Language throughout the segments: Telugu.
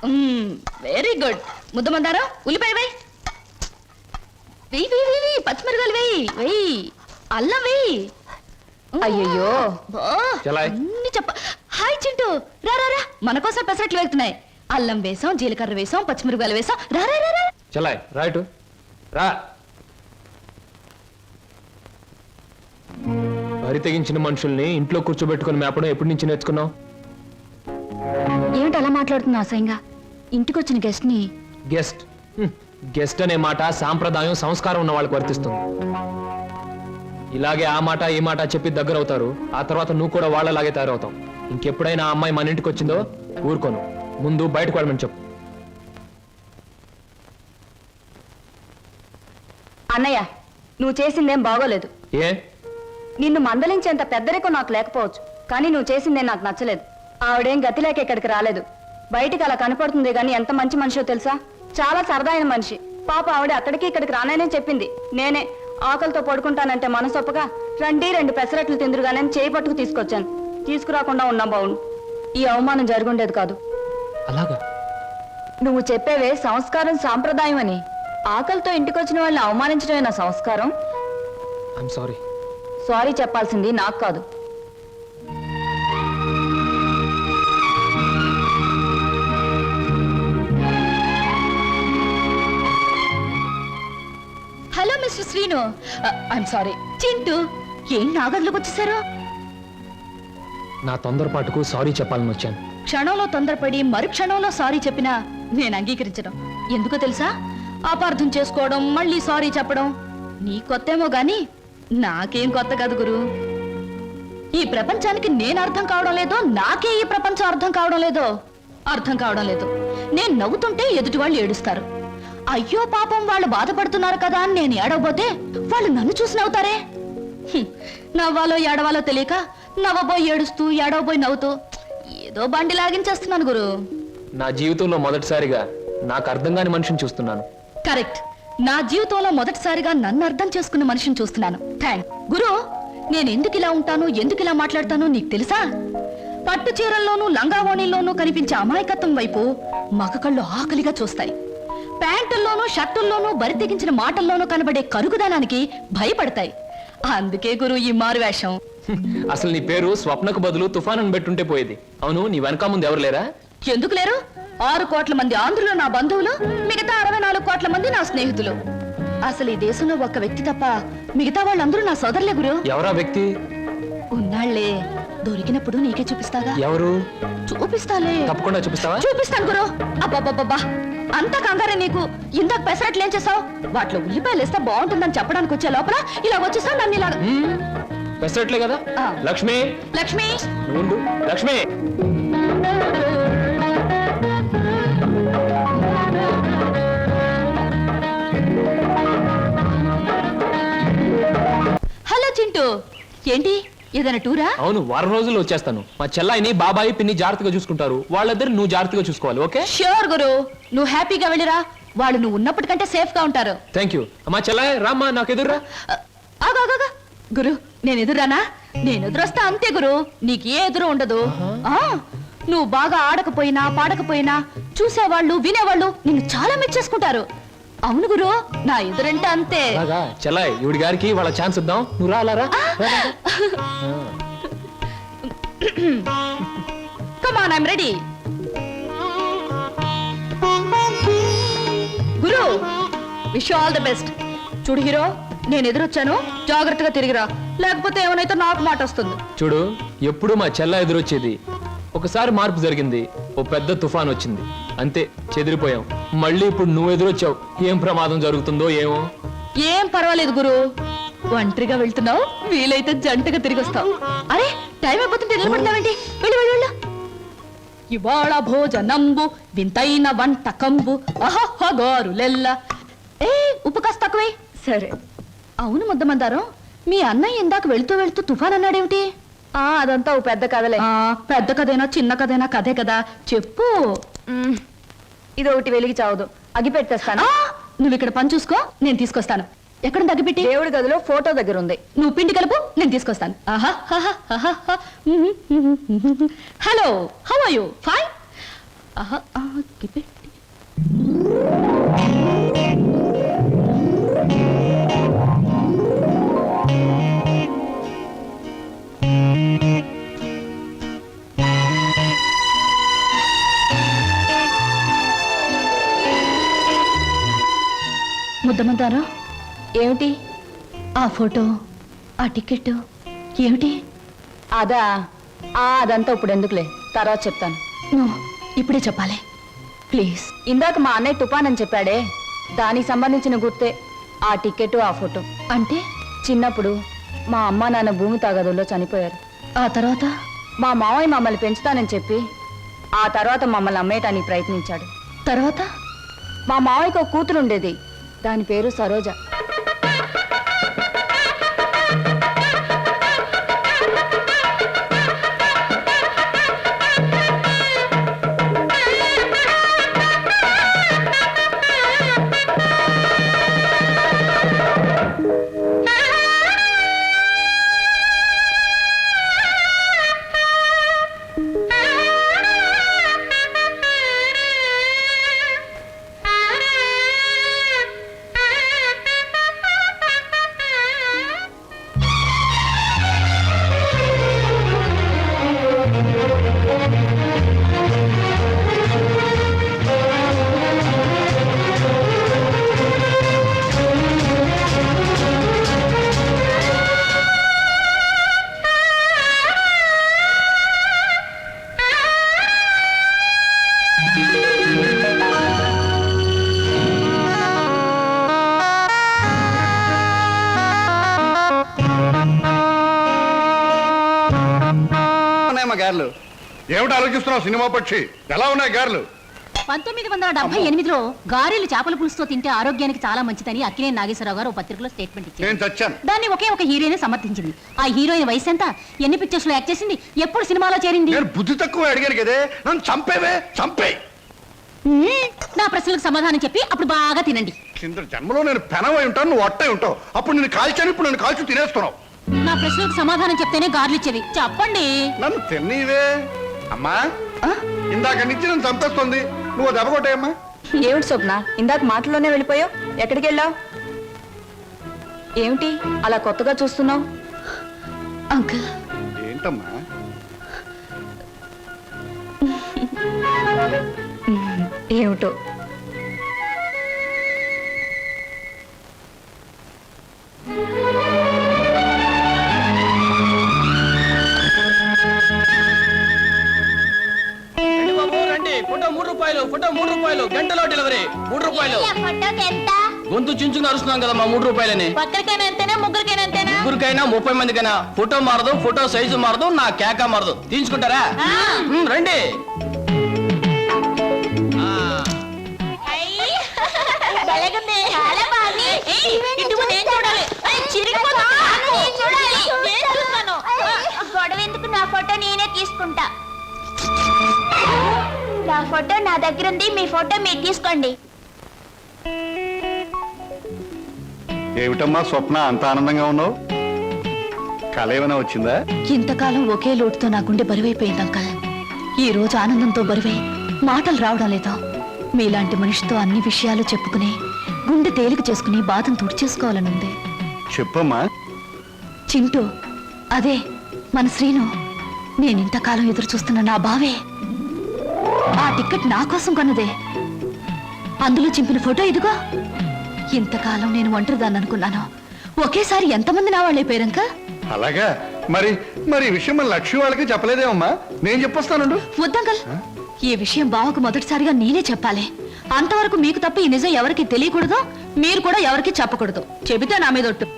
Very good. ముద్దమందారం ఉల్లిపాయ వేయి, వెయ్యి వెయ్యి వెయ్యి, పచ్చిమిరకాయలు వెయ్యి వెయ్యి, అల్లం వెయ్యి. అయ్యో అన్ని చెప్ప. హాయ్ చింటూ, రా రా రా, మన కోసం పెసరట్లు వేస్తున్నాయి. అల్లం వేసాం, జీలకర్ర వేసాం, పచ్చిమిరకాయలు వేసాం. రా రా రా చలాయ్ రైట్ రా. వరి తెగించిన మనుషుల్ని ఇంట్లో కూర్చోబెట్టుకుని మేపడం ఎప్పటి నుంచి నేర్చుకున్నావు? ఏమిటి అలా మాట్లాడుతున్నా అసహ్యంగా? ఇంటికి వచ్చిన గెస్ట్ ని గెస్ట్ అనే మాట సాంప్రదాయం సంస్కారం ఉన్న వాళ్ళకి వర్తిస్తుంది. ఇలాగే ఆ మాట ఈ మాట చెప్పి దగ్గర అవుతారు. ఆ తర్వాత నువ్వు కూడా వాళ్ళలాగే తయారవుతావు. ఇంకెప్పుడైనా ఆ అమ్మాయి మన ఇంటికి వచ్చిందో ఊరుకోను. ముందు బయటకు వెళ్ళమని చెప్పు. అన్నయ్య, నువ్వు చేసిందేం బాగోలేదు. ఏ? నిన్ను మందలించేంత పెద్దరికో నాకు లేకపోవచ్చు, కానీ నువ్వు చేసిందేం నాకు నచ్చలేదు. ఆవిడేం గతి లేక ఇక్కడికి రాలేదు. బయటికి అలా కనపడుతుంది గాని ఎంత మంచి మనిషో తెలుసా? చాలా సరదా అయిన మనిషి. పాప ఆవిడ అక్కడికి ఇక్కడికి రాననే చెప్పింది. నేనే ఆకలితో పడుకుంటానంటే మనసొప్పగా రండి 2 పెసరట్లు తిందురుగానే చేయి పట్టుకు తీసుకొచ్చాను. తీసుకురాకుండా ఉన్నా బావును. ఈ అవమానం జరుగుండేది కాదు. అలాగా? నువ్వు చెప్పేవే సంస్కారం సాంప్రదాయం అని. ఆకలితో ఇంటికొచ్చిన వాళ్ళని అవమానించడమే నా సంస్కారం. సారీ చెప్పాల్సింది నాకు కాదు. Hello mister Srinu. I'm sorry. Chintu, ఏం నా గదిలోకి వచ్చేసారు? నా తొందరపాటుకు సారీ చెప్పాలని వచ్చాను. క్షణంలో తొందరపడి మరు క్షణంలో సారీ చెప్పినా నేను అంగీకరించడం. ఎందుకో తెలుసా? అపార్థం చేసుకోవడం, మళ్ళీ సారీ చెప్పడం నీ కొత్తేమో గాని నాకేం కొత్త కాదు గురు. ఈ ప్రపంచానికి నేను అర్థం కావడం లేదో, నాకే ఈ ప్రపంచం అర్థం కావడం లేదో. అర్థం కావడం లేదు. నేను నవ్వుతుంటే ఎదుటి వాళ్ళు ఏడుస్తారు. అయ్యో పాపం వాళ్ళు బాధపడుతున్నారు కదా అని నేను ఏడవబోతే వాళ్ళు నన్ను చూసి నవ్వుతారే. నవ్వాలో ఏడవాలో తెలియక నవ్వబోయి ఏడుస్తూ, ఏడవబోయి నవ్వుతూ ఏదో బండి లాగించేస్తున్నాను గురు. నా జీవితంలో మొదటిసారిగా నాకు అర్థం కాని మనిషిని చూస్తున్నాను. కరెక్ట్. నా జీవితంలో మొదటిసారిగా నన్ను అర్థం చేసుకున్న మనిషిని చూస్తున్నాను. థ్యాంక్ గురు. నేను ఎందుకు ఇలా ఉంటాను, ఎందుకు ఇలా మాట్లాడతానో నీకు తెలుసా? పట్టు చీరల్లోనూ లంగావోణీల్లోనూ కనిపించే అమాయకత్వం వైపు మగ కళ్ళు ఆకలిగా చూస్తాయి. ప్యాంటుల్లోనూ షర్టుల్లోనూ బరి తెగించిన మాటల్లోనూ కనబడే కరుగుదనానికి భయపడతాయి. అందుకే గురు ఈ మారువేషం. అసలు నీ పేరు స్వప్నకు బదులు తుఫాన్ అని పెట్టుంటే పోయేది. అవును, నీ వెనక ముందు ఎవరు లేరా? ఎందుకు లేరు? 6 కోట్ల మంది ఆంధ్రులు నా బంధువులు, మిగతా 64 కోట్ల మంది నా స్నేహితులు. అసలు ఈ దేశంలో ఒక్క వ్యక్తి తప్ప మిగతా వాళ్ళందరూ నా సోదరులే గురు. ఎవరా వ్యక్తి? ఉన్నాళ్లే, దొరికినప్పుడు నీకే చూపిస్తాగా. ఎవరు? చూపిస్తాలే. తప్పకుండా చూపిస్తావా? చూపిస్తాను గురు. అబ్బబ్బబ్బా, అంత కంగారే నీకు? ఇందాక పెసరట్లు ఏం చేసావు? వాటిలో ఉల్లిపాయలు వేస్తే బాగుంటుందని చెప్పడానికి వచ్చే లోపల ఇలా వచ్చేసావు నన్ను ఇలా. పెసరట్లే కదా. లక్ష్మి, లక్ష్మి, ఉండు. లక్ష్మి, హలో చింటూ. ఏంటి, ఏదైనా టూరా? అవును, వారం రోజుల్లో వచ్చేస్తాను. మా చెల్లాయిని బాబాయి పిన్ని జాగ్రత్తగా చూసుకుంటారు. వాళ్ళిద్దరు నువ్వు జాగ్రత్తగా చూసుకోవాలి. ఓకే? ష్యూర్ గురు. నువ్వు హ్యాపీగా వెళ్ళిరా. వాళ్ళు నువ్వు ఉన్నప్పటికంటే సేఫ్ గా ఉంటారు. Thank you. మా చెల్లాయి రామ్మా, నాకు ఎదురురా. ఆగా గురు, నేను ఎదురానా? నేను ఎదురొస్తా అంతే గురు. నీకు ఏ ఎదురు ఉండదు. నువ్వు బాగా ఆడకపోయినా పాడకపోయినా చూసేవాళ్ళు వినేవాళ్ళు నిన్ను చాలా మెచ్చేసుకుంటారు. అవును గురు, నా ఎదురంటే అంతే. చెల్లాయి, ఇవిడి గారికి వాళ్ళ ఛాన్స్ ఇద్దాం. నువ్వు రాలారా? Come on, I'm ready. గురు, wish you all the best. చూడు హీరో, నేను ఎదురొచ్చాను, జాగ్రత్తగా తిరిగిరా, లేకపోతే ఏమైనా నాకు మాట వస్తుంది. చూడు, ఎప్పుడు మా చెల్ల ఎదురొచ్చేది. ఒకసారి మార్పు జరిగింది, ఓ పెద్ద తుఫాన్ వచ్చింది, అంతే చెదిరిపోయాం. మళ్ళీ ఇప్పుడు నువ్వు ఎదురొచ్చావు. ఏం ప్రమాదం జరుగుతుందో ఏమో. ఏం పర్వాలేదు గురు, ఒంటరిగా వెళ్తున్నావు, వీలైతే జంటగా తిరిగి వస్తావు. అరే, టైం అయిపోతుంటే నిలబడతావేంటి? వెళ్ళు వెళ్ళు వెళ్ళు. ఇవాళ భోజనంబు వింతైన వంటకంబు అహహగారులెల్ల. ఏ, ఉప్పు కాస్త తక్కువే. సరే. అవును ముద్దమందారం, మీ అన్నయ్య ఇందాక వెళ్తూ వెళ్తూ తుఫాన్ అన్నాడేమిటి? అదంతా ఓ పెద్ద కథలే. పెద్ద కథైనా చిన్న కథైనా కథే కదా, చెప్పు. ఇది ఒకటి వెలిగి చావదు, అగి పెట్టేస్తాను. నువ్వు ఇక్కడ పని చూసుకో, నేను తీసుకొస్తాను. ఎక్కడ తగ్గిపెట్టి? దేవుడి గదిలో ఫోటో దగ్గర ఉంది. నువ్వు పిండి కలుపు, నేను తీసుకొస్తాను. Hello, how are you? Fine. ఆహా, గిపెట్టి. ముద్దమంటారా? ఏమిటి? ఆ ఫోటో, ఆ టికెట్ ఏమిటి? అదంతా ఇప్పుడు ఎందుకులే, తర్వాత చెప్తాను. నో, ఇప్పుడే చెప్పాలి ప్లీజ్. ఇందాక మా అన్నయ్య తుఫాన్ అని చెప్పాడే, దానికి సంబంధించిన గుర్తే ఆ టికెట్, ఆ ఫోటో. అంటే చిన్నప్పుడు మా అమ్మ నాన్న భూమి తాగదుల్లో చనిపోయారు. ఆ తర్వాత మా మావయ్య మమ్మల్ని పెంచుతానని చెప్పి ఆ తర్వాత మమ్మల్ని అమ్మేయటానికి ప్రయత్నించాడు. తర్వాత మా మావయ్యకు ఒక కూతురు ఉండేది, దాని పేరు సరోజ. గారెలు ఏమిటి ఆలోచిస్తున్నావు? సినిమా పక్షి ఎలా ఉన్నాయి గారెలు? 1978లో గారెలు చేపల పులుసుతో తింటే ఆరోగ్యానికి చాలా మంచిదని అక్కినేని నాగేశ్వరరావు గారు ఓ పత్రికలో స్టేట్మెంట్ ఇచ్చారు. నేను చచ్చాను. దాన్ని ఒకే ఒక హీరోయిన్ సమర్థించింది. ఆ హీరోయిన్ వయసు ఎంత, ఎన్ని పిక్చర్స్ లో యాక్ట్ చేసింది, ఎప్పుడు సినిమాలో చేరింది? నేను బుద్ధి తక్కువ అడిగాను కదే, నన్ను చంపేవే, చంపే. నా ప్రశ్నలకు సమాధానం చెప్పి అప్పుడు బాగా తినండి. కింద జన్మలో నేను పెనవై ఉంటాను, నువ్వు అట్టై ఉంటావు. అప్పుడు నేను కాల్చాను, ఇప్పుడు నన్ను కాల్చి తినేస్తున్నావు. నా ప్రశ్నలకు సమాధానం చెప్తేనే గార్లు ఇచ్చేది. చెప్పండి. నన్ను తిన్నీవే అమ్మా. ఇందాక నుంచి నన్ను చంపేస్తుంది, నువ్వు దెబ్బ కొట్టాయమ్మా. ఏమిటి స్వప్న, ఇందాక మాటల్లోనే వెళ్ళిపోయావు? ఎక్కడికి వెళ్ళావు? ఏమిటి అలా కొత్తగా చూస్తున్నావు? అంకుల్, ఏంటమ్మా? ఏమిటో ఫోటో 3 రూపాయలు, ఫోటో 3 రూపాయలు, గంటలో డెలివరీ 3 రూపాయలు. గొంతు చించుకుని అరుస్తున్నాం కదా మా 3 రూపాయలని. ఒక్కరికైనా ఎంతేనా, ముగ్గురికైనా ఎంతేనా? ముగ్గురికైనా 30 మందికైనా. ఫోటో మారదు, ఫోటో సైజు మారదు, నా కేక మారదు. తీసుకుంటారా? రండి. గొడవ ఎందుకు, నా ఫోటో నేనే తీసుకుంటా. నా ఫోటో నా దగ్గర ఉంది, మీ ఫోటో మీరు తీసుకోండి. ఏమిటమ్మా స్వప్న, అంత ఆనందంగా ఉన్నావు? కళ ఏమైనా వచ్చిందా? ఇంతకాలం ఒకే లోటుతో నా గుండె బరువైపోయింది అంకల్. ఈ రోజు ఆనందంతో బరువై మాటలు రావడం లేదు. మీలాంటి మనిషితో అన్ని విషయాలు చెప్పుకుని గుండె తేలిక చేసుకుని బాధను తుడిచేసుకోవాలనుంది. చెప్పమ్మా. చింటూ, అదే మన శ్రీను. నేనింతకాలం ఎదురు చూస్తున్న నా బావే. ఆ టికెట్ నా కోసం కొన్నదే. అందులో చింపిన ఫోటో ఇదిగో. ఇంతకాలం నేను ఒంటరిదాన్ని అనుకున్నాను, ఒకేసారి ఎంతమంది నా వాళ్ళైపోయారంక. అలాగా? మరి మరి ఈ విషయం మన లక్ష్మి వాళ్ళకి చెప్పలేదేమమ్మా? నేను చెప్పొస్తానండు. వద్దంకల్, ఈ విషయం బావకు మొదటిసారిగా నేనే చెప్పాలి. అంతవరకు మీకు తప్ప ఈ నిజం ఎవరికి తెలియకూడదు, మీరు కూడా ఎవరికి చెప్పకూడదు. చెబితే నా మీద ఒట్టు.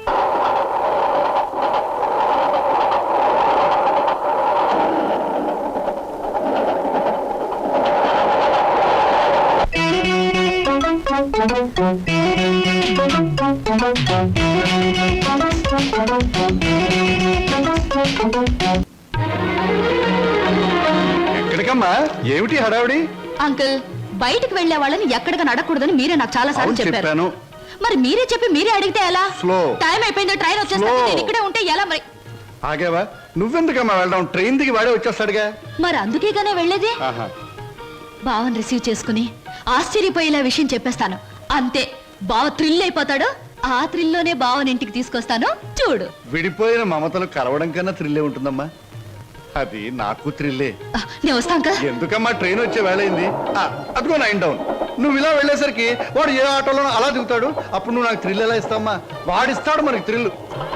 ఎక్కడికమ్మా? ఏమిటి హడావిడి? అంకుల్, బయటికి వెళ్లే వాళ్ళని ఎక్కడికి నడకూడదని మీరే నాకు చాలా సార్లు అవును, చెప్పారు. చెప్పాను. మరి మీరే చెప్పి మీరే అడిగితే ఎలా? స్లో. టైం అయిపోయిందో, ట్రైన్ వచ్చేస్తుంది, స్లో. నేను ఇక్కడే ఉంటే ఎలా మరి? ఆగేవా? నువ్వెందుకమ్మా వెళ్ళడం? ట్రైన్ దిగి వాడే వచ్చేస్తాడుగా. మరి అందుకేగానే వెళ్ళేది. ఆహా. బావని రిసీవ్ చేసుకుని ఆశ్చర్యపోయేలా విషయం చెప్పేస్తాను. అంతే, బావ థ్రిల్ అయిపోతాడు. ఆ థ్రిల్లోనే బావని ఇంటికి తీసుకొస్తాను, చూడు. విడిపోయిన మమతలు కలవడం కన్నా థ్రిల్లే ఉంటుందమ్మా. అది నాకు థ్రిల్లే. నేను వస్తాను కదా. ఎందుకమ్మా ట్రైన్ వచ్చే వేళయింది. అదిగో 9 డౌన్. నువ్వు ఇలా వెళ్ళేసరికి వాడు ఏ ఆటోలోనో అలా దిగుతాడు. అప్పుడు నువ్వు నాకు థ్రిల్ ఎలా ఇస్తావమ్మా? వాడిస్తాడు మనకి థ్రిల్.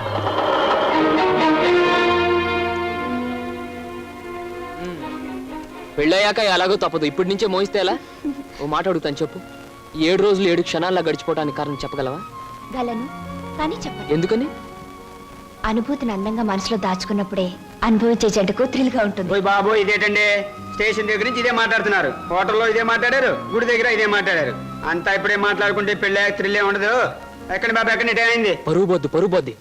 పెళ్ళయ్యాక ఎలాగో తప్పదు, ఇప్పటి నుంచే మోయిస్తే ఎలా? ఓ మాట అడుగుతాను, చెప్పు. 7 రోజులు 7 క్షణాల్లో గడిచిపోవడానికి కారణం చెప్పగలవా? గలను కానీ చెప్పండి. ఎందుకని? అనుభూతిని అందంగా మనసులో దాచుకున్నప్పుడే అనుభవించే జంటకు థ్రిల్ గా ఉంటుంది. ఓయ్ బాబు, ఇదేటండి స్టేషన్ దగ్గర నుంచి ఇదే మాట్లాడుతున్నారు, హోటల్లో ఇదే మాట్లాడారు, గుడి దగ్గర ఇదే మాట్లాడారు. అంతా ఇప్పుడే మాట్లాడుకుంటే పెళ్ళి థ్రిల్లే ఉండదు. ఎక్కడ బాబు, ఎక్కడ టైం అయింది? పరువు బొద్ది.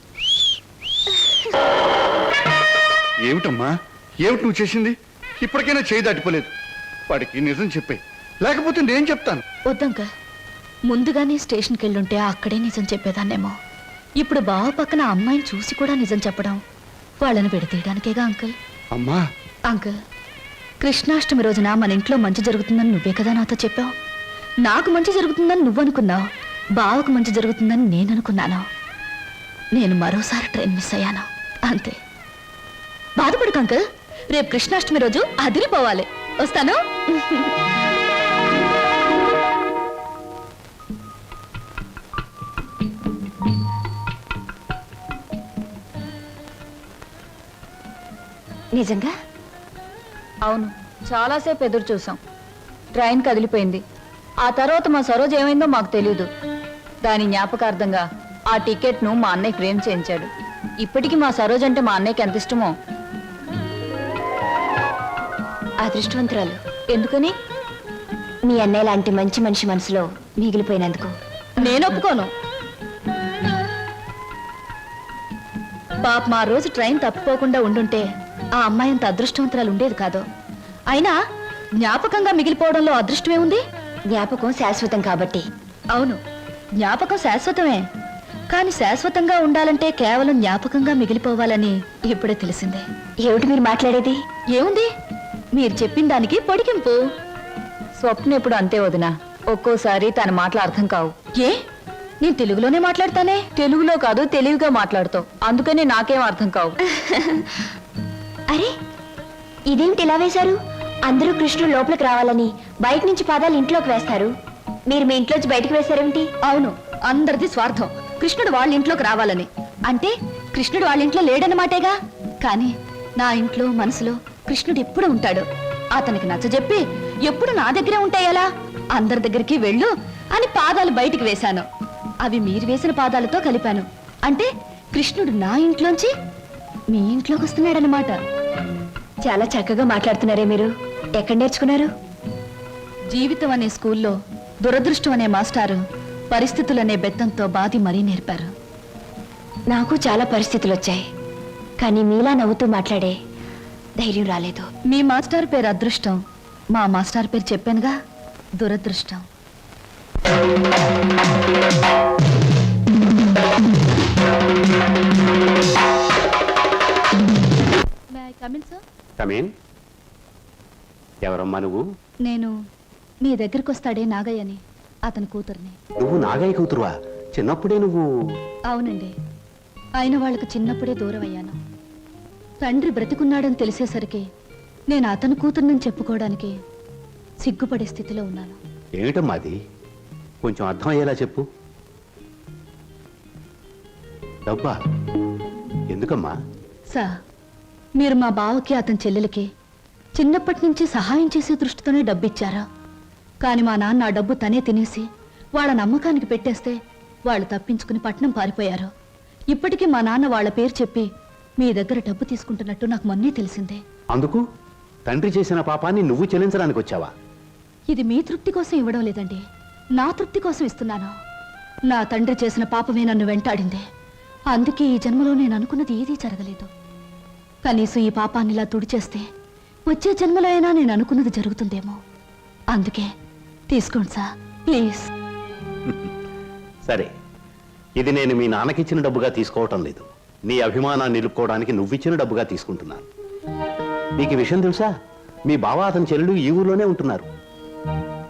ఏమిటమ్మా, ఏమిటి నువ్వు చేసింది? ఇప్పటికైనా చేయి దాటిపోలేదు. వాడికి నిజం చెప్పే, లేకపోతే నేను చెప్తాను. వద్దంక, ముందుగానే స్టేషన్కి వెళ్ళుంటే అక్కడే నిజం చెప్పేదాన్నేమో. ఇప్పుడు బావ పక్కన అమ్మాయిని చూసి కూడా నిజం చెప్పడం వాళ్ళని విడతీయడానికేగా అంకుల్. అమ్మా, అంకుల్, కృష్ణాష్టమి రోజున మన ఇంట్లో మంచి జరుగుతుందని నువ్వే కదా నాతో చెప్పావు. నాకు మంచి జరుగుతుందని నువ్వు అనుకున్నావు, బావకు మంచి జరుగుతుందని నేను అనుకున్నాను. నేను మరోసారి ట్రైన్ మిస్ అయ్యాను, అంతే. బాధపడకు అంకుల్, రేపు కృష్ణాష్టమి రోజు అదిరిపోవాలి. వస్తాను. నిజంగా? అవును, చాలాసేపు ఎదురు చూసాం. ట్రైన్ కదిలిపోయింది. ఆ తర్వాత మా సరోజ్ ఏమైందో మాకు తెలియదు. దాని జ్ఞాపకార్థంగా ఆ టికెట్ను మా అన్నయ్య ఫ్రేమ్ చేయించాడు. ఇప్పటికీ మా సరోజ్ అంటే మా అన్నయ్యకి ఎంత ఇష్టమో. అదృష్టవంతురాలు. ఎందుకని? మీ అన్నయ్య లాంటి మంచి మనిషి మనసులో మిగిలిపోయినందుకు. నేను ఒప్పుకోను. పాప మా రోజు ట్రైన్ తప్పిపోకుండా ఉండుంటే ఆ అమ్మాయి అంత అదృష్టవంతురాలు ఉండేది కాదు. అయినా జ్ఞాపకంగా మిగిలిపోవడంలో అదృష్టమే ఉంది. జ్ఞాపకం శాశ్వతం కాబట్టి. అవును, జ్ఞాపకం శాశ్వతమే. కానీ శాశ్వతంగా ఉండాలంటే కేవలం జ్ఞాపకంగా మిగిలిపోవాలని ఇప్పుడే తెలిసిందే. ఏమిటి మీరు మాట్లాడేది? ఏముంది, మీరు చెప్పిన దానికి పొడిగింపు. స్వప్న ఎప్పుడు అంతే వదినా, ఒక్కోసారి తన మాటలు అర్థం కావు. ఏ, నేను తెలుగులోనే మాట్లాడతానే. తెలుగులో కాదు, తెలివిగా మాట్లాడుతావు, అందుకని నాకేం అర్థం కావు. అరే, ఇదేమిటి ఇలా వేశారు? అందరూ కృష్ణుడు లోపలికి రావాలని బయట నుంచి పాదాలు ఇంట్లోకి వేస్తారు. మీరు మీ ఇంట్లోంచి బయటకు వేశారేమిటి? అవును, అందరిది స్వార్థం. కృష్ణుడు వాళ్ళ ఇంట్లోకి రావాలని. అంటే కృష్ణుడు వాళ్ళ ఇంట్లో లేడన్నమాటేగా. కానీ నా ఇంట్లో మనసులో కృష్ణుడు ఎప్పుడు ఉంటాడు. అతనికి నచ్చజెప్పి ఎప్పుడు నా దగ్గరే ఉంటాయలా? అందరి దగ్గరికి వెళ్ళు అని పాదాలు బయటికి వేశాను. అవి మీరు వేసిన పాదాలతో కలిపాను. అంటే కృష్ణుడు నా ఇంట్లోంచి మీ ఇంట్లోకి వస్తున్నాడనమాట. చాలా చక్కగా మాట్లాడుతున్నారే మీరు. ఎక్కడ నేర్చుకున్నారు? జీవితం అనే స్కూల్లో దురదృష్టం అనే మాస్టారు పరిస్థితులనే బెత్తంతో బాధి మరీ నేర్పారు. నాకు చాలా పరిస్థితులు వచ్చాయి, కానీ మీలా నవ్వుతూ మాట్లాడే ధైర్యం రాలేదు. మీ మాస్టర్ పేరు అదృష్టం, మా మాస్టర్ పేరు చెప్పానుగా, దురదృష్టం. కమేన్. ఎవరమ్మా నువ్వు? నేను మీ దగ్గరికి వస్తాడే నాగయ్యని, అతని కూతుర్ని. నువ్వు నాగయ్య కూతురువా? చిన్నప్పుడే నువ్వు? అవునండి, అయిన వాళ్ళకు చిన్నప్పుడే దూరం అయ్యాను. తండ్రి బ్రతికున్నాడని తెలిసేసరికి నేను అతని కూతుర్నని చెప్పుకోవడానికి సిగ్గుపడే స్థితిలో ఉన్నాను. ఏమిటమ్మా అది? కొంచెం అర్థం అయ్యేలా చెప్పు. డబ్బా? ఎందుకమ్మా? సార్, మీరు మా బావకి అతని చెల్లెలకి చిన్నప్పటి నుంచి సహాయం చేసే దృష్టితోనే డబ్బిచ్చారా? కానీ మా నాన్న ఆ డబ్బు తనే తినేసి వాళ్ళ నమ్మకానికి పెట్టేస్తే వాళ్ళు తప్పించుకుని పట్నం పారిపోయారు. ఇప్పటికీ మా నాన్న వాళ్ళ పేరు చెప్పి మీ దగ్గర డబ్బు తీసుకుంటున్నట్టు నాకు మొన్నే తెలిసిందే. అందుకు తండ్రి చేసిన పాపాన్ని నువ్వు చెల్లించడానికి వచ్చావా? ఇది మీ తృప్తి కోసం ఇవ్వడం లేదండి, నా తృప్తి కోసం ఇస్తున్నాను. నా తండ్రి చేసిన పాపమే నన్ను వెంటాడింది. అందుకే ఈ జన్మలో నేను అనుకున్నది ఏదీ జరగలేదు. కనీసం ఈ పాపాన్ని ఇలా తుడిచేస్తే వచ్చే జన్మలో అయినా నేను అనుకున్నది జరుగుతుందేమో. అందుకే తీసుకోండి సార్, ప్లీజ్. సరే, ఇది నేను మీ నాన్నకిచ్చిన డబ్బుగా తీసుకోవటం లేదు. నీ అభిమానాన్ని నిలుపుకోవడానికి నువ్విచ్చిన డబ్బుగా తీసుకుంటున్నాను. నీకు ఈ విషయం తెలుసా? మీ బావ అతని చెల్లెలు ఈ ఊర్లోనే ఉంటున్నారు.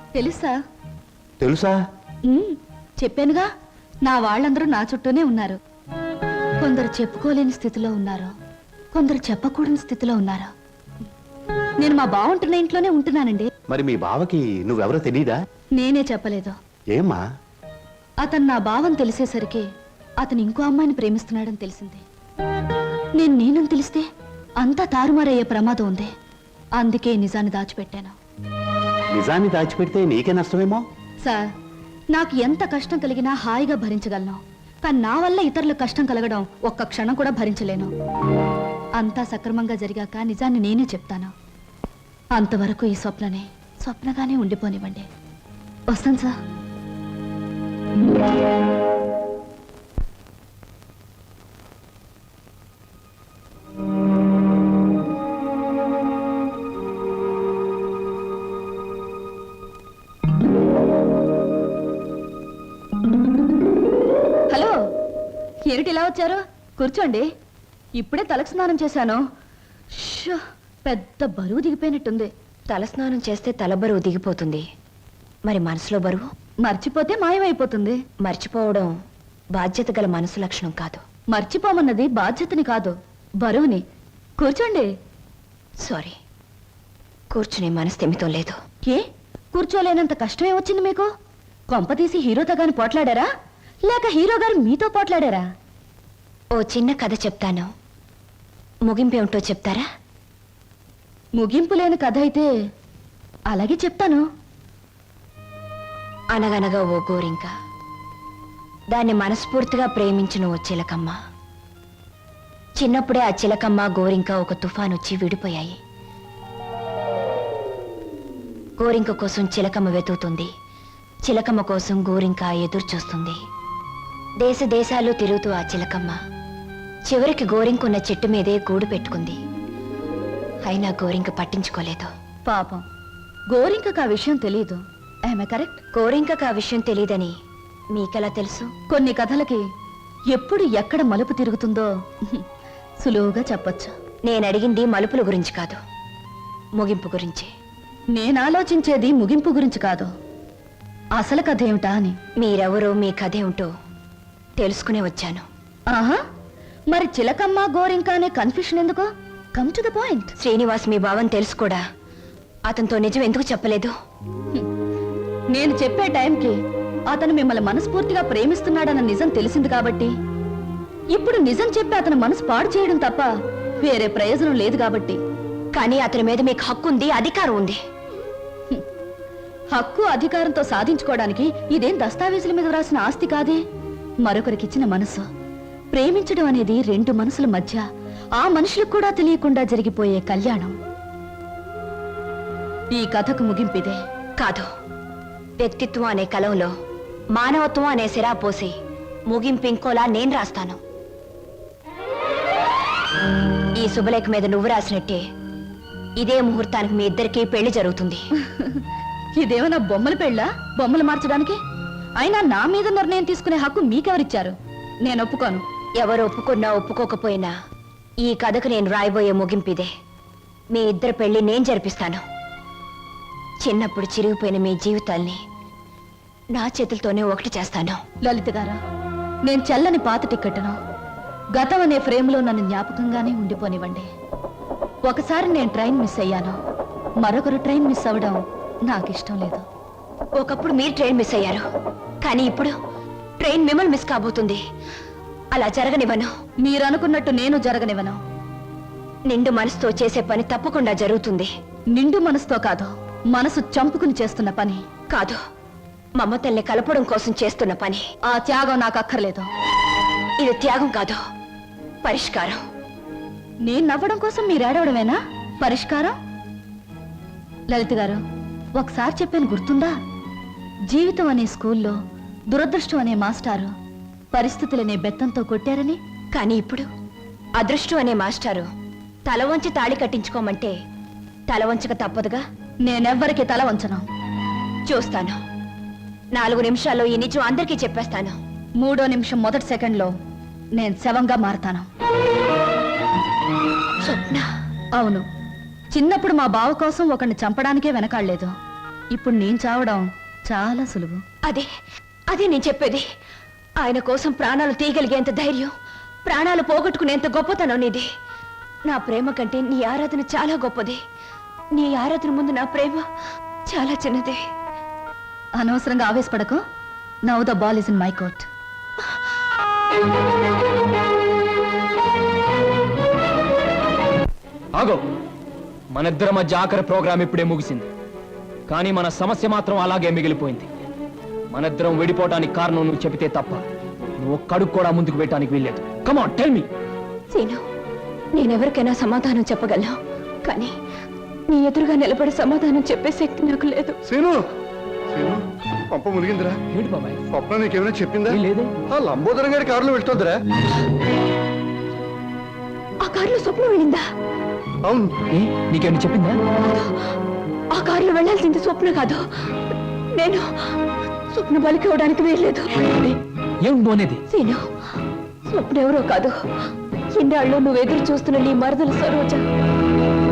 తెలుసా? తెలుసా? చెప్పానుగా, నా వాళ్ళందరూ నా చుట్టూనే ఉన్నారు. కొందరు చెప్పుకోలేని స్థితిలో ఉన్నారు, కొందరు చెప్పకూడని స్థితిలో ఉన్నారు. నేను మా బావుంటున్న ఇంట్లోనే ఉంటున్నానండి. మరి మీ బావకి నువ్వెవరో తెలీదా? నేనే చెప్పలేదు. ఏమ్మా? అతను నా భావం తెలిసేసరికి అతను ఇంకో అమ్మాయిని ప్రేమిస్తున్నాడని తెలిసింది. నేనని తెలిస్తే అంతా తారుమారయ్యే ప్రమాదం ఉంది. అందుకే నిజాన్ని దాచిపెట్టాను. నిజాన్ని దాచిపెడితే నీకే నష్టమేమో. సార్, నాకు ఎంత కష్టం కలిగినా హాయిగా భరించగలను. కానీ నా వల్ల ఇతరులకు కష్టం కలగడం ఒక్క క్షణం కూడా భరించలేను. అంతా సక్రమంగా జరిగాక నిజాన్ని నేనే చెప్తాను. అంతవరకు ఈ స్వప్నగానే ఉండిపోనివ్వండి. వస్తాను సార్. హలో, ఏమిటి ఇలా వచ్చారు? కూర్చోండి. ఇప్పుడే తలకు స్నానం చేశాను. షో, పెద్ద బరువు దిగిపోయినట్టుంది. తలస్నానం చేస్తే తల బరువు దిగిపోతుంది. మరి మనసులో బరువు మర్చిపోతే మాయమైపోతుంది. మర్చిపోవడం బాధ్యత గల మనసు లక్షణం కాదు. మర్చిపోమన్నది బాధ్యతని కాదు, బరువుని. కూర్చోండి. సారీ, కూర్చునే మనస్థిమితం లేదు. ఏ, కూర్చోలేనంత కష్టమే వచ్చింది మీకు? కొంపతీసి హీరోతో గాని పోట్లాడారా, లేక హీరో గారు మీతో పోట్లాడారా? ఓ చిన్న కథ చెప్తాను, ముగింపేమిటో చెప్తారా? ముగింపు లేని కథ అయితే అలాగే చెప్తాను. అనగనగా ఓ గోరింక, దాన్ని మనస్ఫూర్తిగా ప్రేమించిన ఓ చిలకమ్మ. చిన్నప్పుడే ఆ చిలకమ్మ గోరింక ఒక తుఫాన్ వచ్చి విడిపోయాయి. గోరింక కోసం చిలకమ్మ వెతుకుతుంది, చిలకమ్మ కోసం గోరింక ఎదురు చూస్తుంది. దేశ దేశాలు తిరుగుతూ ఆ చిలకమ్మ చివరికి గోరింకున్న చెట్టు మీదే గూడు పెట్టుకుంది. అయినా గోరింక పట్టించుకోలేదు. పాపం, గోరింకకు ఆ విషయం తెలియదు. ఆమె కరెక్ట్. గోరింకకు ఆ విషయం తెలియదని మీకెలా తెలుసు? కొన్ని కథలకి ఎప్పుడు ఎక్కడ మలుపు తిరుగుతుందో సులువుగా చెప్పొచ్చు. నేను అడిగింది మలుపుల గురించి కాదు, ముగింపు గురించి. నేను ఆలోచించేది ముగింపు గురించి కాదు, అసలు కథ ఏమిటా అని. మీరెవరో, మీ కథ ఏమిటో తెలుసుకునే వచ్చాను. ఆహా, మరి చిలకమ్మ గోరింక అనే కన్ఫ్యూషన్ ఎందుకు? Come to the point. Srinivas మీ భావం తెలుసు కూడా అతనితో నిజం ఎందుకు చెప్పలేదు? నేను చెప్పే టైంకి అతను మిమ్మల్ని మనస్ఫూర్తిగా ప్రేమిస్తున్నాడన్న నిజం తెలిసింది కాబట్టి, ఇప్పుడు నిజం చెప్పి అతని మనసు పాడు చేయడం తప్ప వేరే ప్రయోజనం లేదు కాబట్టి. కానీ అతని మీద మీకు హక్కు ఉంది, అధికారం ఉంది. హక్కు అధికారంతో సాధించుకోవడానికి ఇదేం దస్తావేజుల మీద రాసిన ఆస్తి కాదే. మరొకరికిచ్చిన మనసు. ప్రేమించడం అనేది రెండు మనసుల మధ్య, ఆ మనుషులకు కూడా తెలియకుండా జరిగిపోయే కళ్యాణం. ఈ కథకు ముగింపిదే. కాదు, వ్యక్తిత్వం అనే కలంలో మానవత్వం అనే సిరా పోసి ముగింపు ఇంకోలా నేను రాస్తాను. ఈ శుభలేఖ మీద నువ్వు రాసినట్టే ఇదే ముహూర్తానికి మీ ఇద్దరికీ పెళ్లి జరుగుతుంది. ఇదేమన్నా బొమ్మల పెళ్ళా, బొమ్మలు మార్చడానికి? అయినా నా మీద నిర్ణయం తీసుకునే హక్కు మీకెవరిచ్చారు? నేను ఒప్పుకోను. ఎవరు ఒప్పుకున్నా ఒప్పుకోకపోయినా ఈ కథకు నేను రాయబోయే ముగింపిదే. మీ ఇద్దరు పెళ్లి నేను జరిపిస్తాను. చిన్నప్పుడు చిరిగిపోయిన మీ జీవితాల్ని నా చేతులతోనే ఒకటి చేస్తాను. లలిత గారా, నేను చెల్లని పాత టిక్కెట్ను గతం అనే ఫ్రేమ్లో నన్ను జ్ఞాపకంగానే ఉండిపోనివ్వండి. ఒకసారి నేను ట్రైన్ మిస్ అయ్యాను, మరొకరు ట్రైన్ మిస్ అవ్వడం నాకు ఇష్టం లేదు. ఒకప్పుడు మీరు ట్రైన్ మిస్ అయ్యారు, కానీ ఇప్పుడు ట్రైన్ మిమ్మల్ని మిస్ కాబోతుంది. అలా జరగనివ్వను. మీరు అనుకున్నట్టు నేను జరగనివ్వను. నిండు మనసుతో చేసే పని తప్పకుండా జరుగుతుంది. నిండు మనసుతో కాదు, మనసు చంపుకుని చేస్తున్న పని. కాదు, మమతల్ని కలపడం కోసం చేస్తున్న పని. ఆ త్యాగం నాకు అక్కర్లేదు. ఇది త్యాగం కాదు, పరిష్కారం. నేను నవ్వడం కోసం మీరు ఏడవడమేనా పరిష్కారం? లలిత గారు, ఒకసారి చెప్పాను గుర్తుందా? జీవితం అనే స్కూల్లో దురదృష్టం అనే మాస్టారు పరిస్థితులనే బెత్తంతో కొట్టారని. కానీ ఇప్పుడు అదృష్టం అనే మాస్టారు తల వంచి తాళి కట్టించుకోమంటే తల వంచక తప్పదుగా. నేనెవ్వరికి తల వంచను. చూస్తాను. 4 నిమిషాల్లో ఈ నిజం అందరికీ చెప్పేస్తాను. 3వ నిమిషం మొదటి సెకండ్లో నేను శవంగా మారతాను. స్వప్న. అవును, చిన్నప్పుడు మా బావ కోసం ఒకరిని చంపడానికే వెనకాడలేదు. ఇప్పుడు నేను చావడం చాలా సులువు. అదే అదే నేను చెప్పేది. ఆయన కోసం ప్రాణాలు తీయగలిగేంత ధైర్యం, ప్రాణాలు పోగొట్టుకునేంత గొప్పతనం నీది. నా ప్రేమ కంటే నీ ఆరాధన చాలా గొప్పది. నీ ఆరాధన ముందు నా ప్రేమ చాలా చిన్నది. అనవసరంగా ఆవేశపడకు. Now the ball is in my court. ఆగో, మనిద్దరి మధ్య ఆఖరి ప్రోగ్రాం ఇప్పుడే ముగిసింది, కానీ మన సమస్య మాత్రం అలాగే మిగిలిపోయింది. మనిద్దరం విడిపోవటానికి కారణం నువ్వు చెబితే తప్ప నువ్వు ఒక్కడుగు కూడా ముందుకు పెట్టడానికి వీల్లేదు. Come on, tell me. Seenu, నేనెవరికైనా సమాధానం చెప్పగలను, కానీ నీ ఎదురుగా నిలబడి సమాధానం చెప్పే శక్తి నాకు లేదు. సీను సీను పంప మునిగిందిరా. ఏంటి బాబాయ్? స్వప్న నీకేమైనా చెప్పిందా? ఏం లేదే. ఆ లంబోదరం గారి కారులో వెళ్తుందిరా. ఆ కారులో స్వప్నం వెళ్ళిందా? అవును. ఏ, నీకేమైనా చెప్పిందా? ఆ కారులో వెళ్ళాల్సింది స్వప్న కాదు, నేను. స్వప్న బలికి ఇవ్వడానికి వీల్లేదు. ఏం నువ్వు అనేది? సీను, స్వప్న ఎవరో కాదు, ఇన్నాళ్ళు నువ్వు ఎదురు చూస్తున్న నీ మరదలు సరోజ.